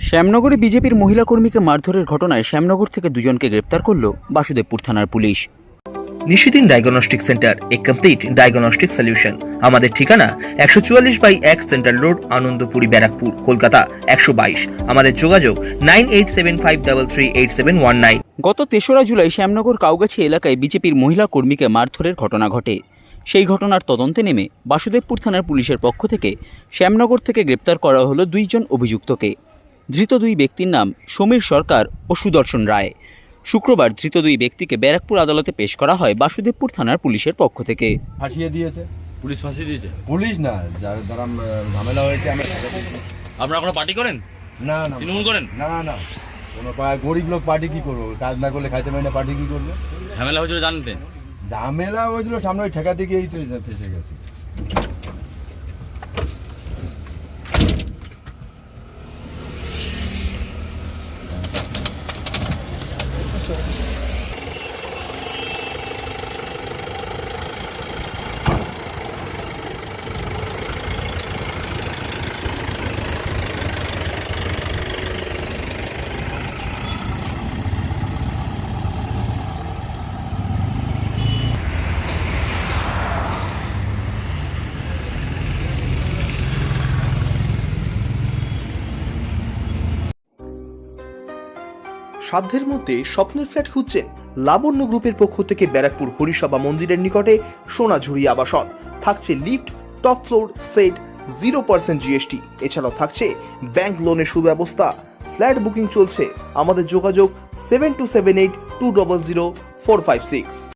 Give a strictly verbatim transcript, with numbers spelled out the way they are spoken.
শ্যামনগরে বিজেপির মহিলা কর্মীকে মারধরের ঘটনায় শ্যামনগর থেকে দুজনকে গ্রেপ্তার করল বাসুদেবপুর থানার police. Nishidin diagnostic centre, a complete diagnostic solution. আমাদের ঠিকানা একশো চুয়াল্লিশ বাই এক সেন্ট্রাল রোড, আনন্দপুরি, ব্যারাকপুর, কলকাতা একশো বাইশ। আমাদের যোগাযোগ nine eight seven five three three eight seven one nine. গত তেসরা জুলাই শ্যামনগর কাউগাছি এলাকায় বিজেপির মহিলা কর্মীকে মারধরের ঘটনা ঘটে। সেই ঘটনার তদন্তে নেমে বাসুদেবপুর থানার পুলিশের পক্ষ থেকে শ্যামনগর থেকে গ্রেপ্তার করা হলো দুইজন অভিযুক্তকে। ধৃত দুই ব্যক্তির নাম সমীর সরকার ও সুদর্শন রায়। শুক্রবার ধৃত দুই ব্যক্তিকে ব্যারাকপুর আদালতে পেশ করা হয় বাসুদেবপুর থানার পুলিশের পক্ষ থেকে। ফাঁসিয়ে দিয়েছে পুলিশ ফাঁসিয়ে দিয়েছে? পুলিশ না, যার দ্বারা ঝামেলা হয়েছে আমরা। আপনারা কোনো পার্টি করেন? না না, তৃণমূল করেন? না না, কোনো পা- গরিব লোক পার্টি কি করবো? কাজ না করলে খাইতে পারি না, পার্টি কি করবে? ঝামেলা হয়েছিল জানতেন? ঝামেলা হয়েছিল সামনে ওই ঠেকা থেকে, এই তো ফেসে গেছি। সাধ্যের মধ্যে স্বপ্নের ফ্ল্যাট খুঁজছেন? লাবণ্য গ্রুপের পক্ষ থেকে ব্যারাকপুর হরিসভা মন্দিরের নিকটে সোনাঝুরি আবাসন। থাকছে lift, top floor, set, zero percent GST. এছাড়াও থাকছে ব্যাংক লোনের সুব্যবস্থা। ফ্ল্যাট বুকিং চলছে। আমাদের যোগাযোগ seven two seven eight two double zero four five six.